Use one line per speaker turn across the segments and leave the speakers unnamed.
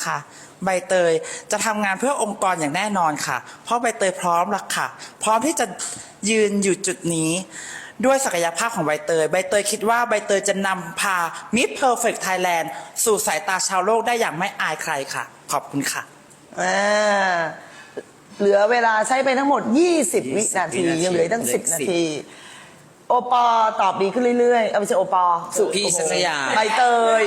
นะคะใบเตยจะทำงานเพื่อองค์กรอย่างแน่นอนค่ะเพราะใบเตยพร้อมแล้วค่ะพร้อมที่จะยืนอยู่จุดนี้ด้วยศักยภาพของใบเตยใบเตยคิดว่าใบเตยจะนำพา Miss Perfect Thailand สู่สายตาชาวโลกได้อย่างไม่อายใครค่ะขอบคุณค่ะ
เหลือเวลาใช้ไปทั้งหมด20 วินาทียังเหลือตั้ง10 นาทีโอปอตอบดีขึ้นเรื่อยๆเอาไปเจอโอปอสุ
พี่ชัชยา
ใบเตย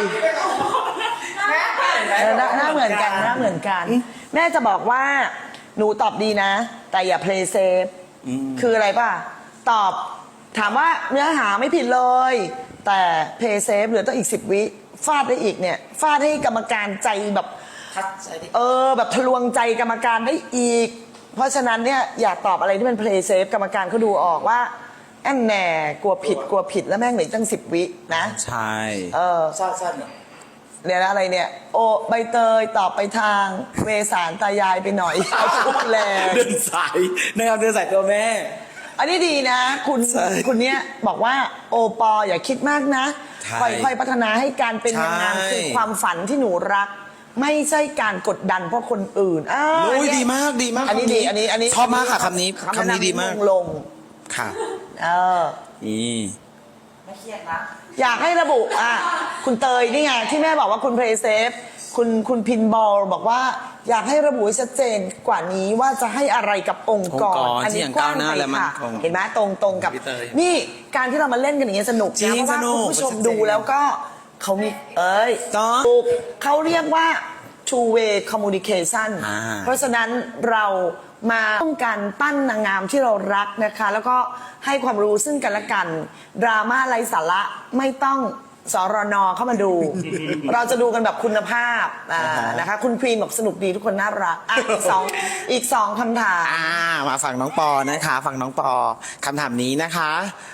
หน้าเหมือนกันหน้าเหมือนกันแม่จะบอกว่าหนูตอบดีนะแต่อย่า play safe คืออะไรป่ะตอบถามว่าเนื้อหาไม่ผิดเลยแต่ play safe เหลือต้องอีก10 วิฟาดได้อีกเนี่ยฟาดให้กรรมการใจแบบแบบทะลวงใจกรรมการได้อีกเพราะฉะนั้นเนี่ยอย่าตอบอะไรที่เป็น play safe กรรมการเขาดูออกว่าแอนแหน่กลัวผิดแล้วแม่งเหลือตั้ง10 วินะ
ใช่
สั้น
เนี่ยอะไรเนี่ยโอใบเตยตอบไปทางเวสารตายายไปหน่อยเอาชุดแรง
เดินสายนะครับเดินสายตัวแม่
อันนี้ดีนะคุณเนี้ยบอกว่าโอปออย่าคิดมากนะค่อยพัฒนาให้การเป็นนางงามคือความฝันที่หนูรักไม่ใช่การกดดันเพราะคนอื่น
ดีมาก
อันนี้ดีอันนี้
ชอบมากค่ะคำนี้ดีมาก
ลง
ค่ะ
ไม่เครียดนะ
อยากให้ระบุคุณเตยนี่ไงที่แม่บอกว่าคุณเพลย์เซฟคุณพินบอลบอกว่าอยากให้ระบุชัดเจนกว่านี้ว่าจะให้อะไรกับองค์กร
อันนี้กว้างไปค่ะ
เห็นไหมตรงกับนี่การที่เรามาเล่นกันอย่างนี้สนุกนะเพราะว่าคุณผู้ชมดูแล้วก็เขามีเขาเรียกว่า two way communication เพราะฉะนั้นเรามาต้องการปั้นนางงามที่เรารักนะคะแล้วก็ให้ความรู้ซึ่งกันและกันดราม่าไร้สาระไม่ต้องสรนเข้ามาดู เราจะดูกันแบบคุณภาพนะคะคุณครีมบอกสนุกดีทุกคนน่ารักอีกสองคำถาม
มาฝั่งน้องปอนะคะฝั่งน้องปอคำถามนี้นะคะ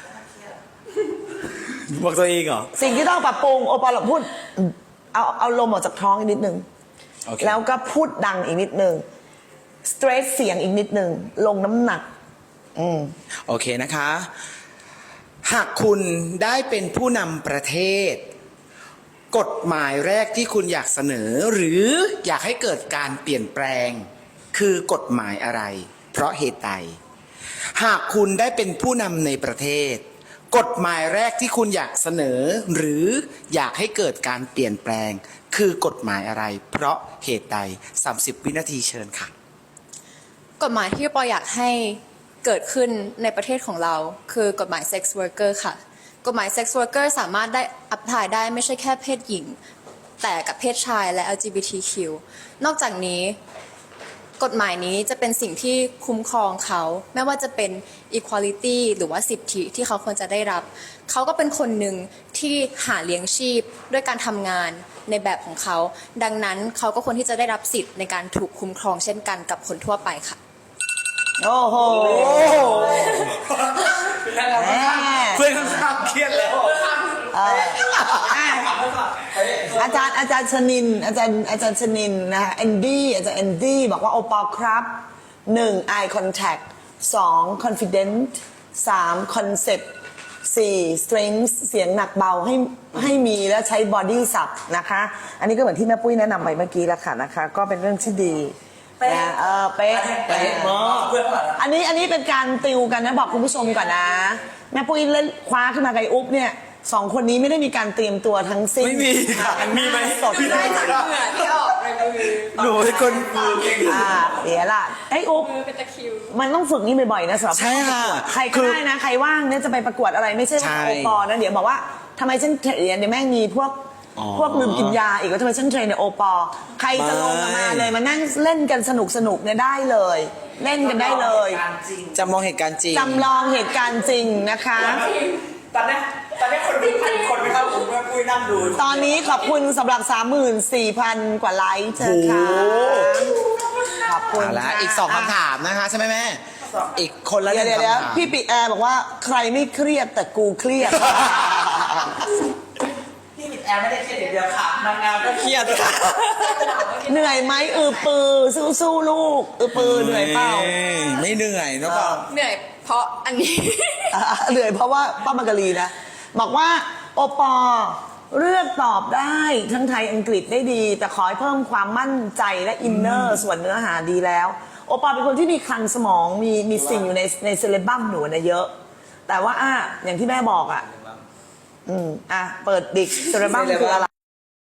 บอกตัวเองเหรอ
สิ่งที่ต้องปรับปรุงโอปอลพูดเอาลมออกจากท้องอีกนิดนึงแล้วก็พูดดังอีกนิดนึงสเตรทเสียงอีกนิดนึงลงน้ำหนัก
โอเคนะคะหากคุณได้เป็นผู้นำประเทศกฎหมายแรกที่คุณอยากเสนอหรืออยากให้เกิดการเปลี่ยนแปลงคือกฎหมายอะไรเพราะเหตุใดหากคุณได้เป็นผู้นำในประเทศกฎหมายแรกที่คุณอยากเสนอหรืออยากให้เกิดการเปลี่ยนแปลงคือกฎหมายอะไรเพราะเหตุใด30 วินาทีเชิญค่ะ
กฎหมายที่ปออยากให้เกิดขึ้นในประเทศของเราคือกฎหมาย sex worker ค่ะกฎหมาย sex worker สามารถได้อัพพลายได้ไม่ใช่แค่เพศหญิงแต่กับเพศชายและ LGBTQ นอกจากนี้กฎหมายนี้จะเป็นสิ่งที่คุ้มครองเขาไม่ว่าจะเป็น equality หรือว่าสิทธิที่เขาควรจะได้รับเขาก็เป็นคนหนึ่งที่หาเลี้ยงชีพด้วยการทำงานในแบบของเขาดังนั้นเขาก็ควรที่จะได้รับสิทธิ์ในการถูกคุ้มครองเช่นกันกับคนทั่วไปค่ะ
โอ้โห
เพื่อนข้างเครียดแล้ว
อาจารย์ชนินอาจารย์ชนินนะคะแอนดี้อาจารย์แอนดี้บอกว่าโอปอลครับ1 eye contact 2 confident 3 concept 4 strength เสียงหนักเบาให้มีแล้วใช้ body สับนะคะอันนี้ก็เหมือนที่แม่ปุ้ยแนะนำไปเมื่อกี้แล้วค่ะนะคะก็เป็นเรื่องที่ดีเป๊ะอันนี้เป็นการติวกันนะบอกคุณผู้ชมก่อนนะแม่ปุ้ยเล่นคว้าขึ้นมาไกอุ๊บเนี่ย2 คนนี้ไม่ได้มีการเตรียมตัวทั้งสิ้น
ไม่มีค่ะมีไหม
สดเลย
หนูเป็นคน
เดี๋ยวล่ะไอ้อุ๊บมันต้องฝึกนี่บ่อยๆนะสำหรับ
ใช่ค่ะ
ใครก็ได้นะใครว่างเนี่ยจะไปประกวดอะไรไม่ใช่ว่าโอปอนะเดี๋ยวบอกว่าทำไมฉันเดี๋ยวแม่งมีพวกลืมกินยาอีกว่าทำไมฉันเทรนในโอปอใครจะลงมาเลยมานั่งเล่นกันสนุกเนี่ยได้เลยเล่นกันได้เลย
จำลองเหตุการณ์จริง
นะคะ
ตอนนี้คนดู1,000 คนไม่เข้าผมก็คุยนั่งดู
ตอนนี้ขอบคุณสำหรับ 34,000 กว่าไลค์เชิญค่ะขอบคุณ
แล้วอีก2 คำถามนะคะใช่ไหมแม่อีกคนละ1 คำถาม
พี่ปีแอร์บอกว่าใครไม่เครียดแต่กูเครียด
แอร์ไม่ได้เครียดอย่างเดียวค่ะนางงามก็เครียดค่ะ
เหนื่อยไหมปือสู้ลูกปือเหนื่อยเปล่า
ไม่เหนื่อยนะป่ะ
เหนื่อยเพราะอันนี้
เหนื่อยเพราะว่าป้ามังกรีนะบอกว่าโอปอเลือกตอบได้ทั้งไทยอังกฤษได้ดี แต่ขอให้เพิ่มความมั่นใจและอินเนอร์ส่วนเนื้อหาดีแล้ว โอปอเป็นคนที่มีคลังสมองมีสิ่งอยู่ในเซเลบัมหนูนะเยอะ แต่ว่าอย่างที่แม่บอกเปิดดิกเซเลบัมคืออะไร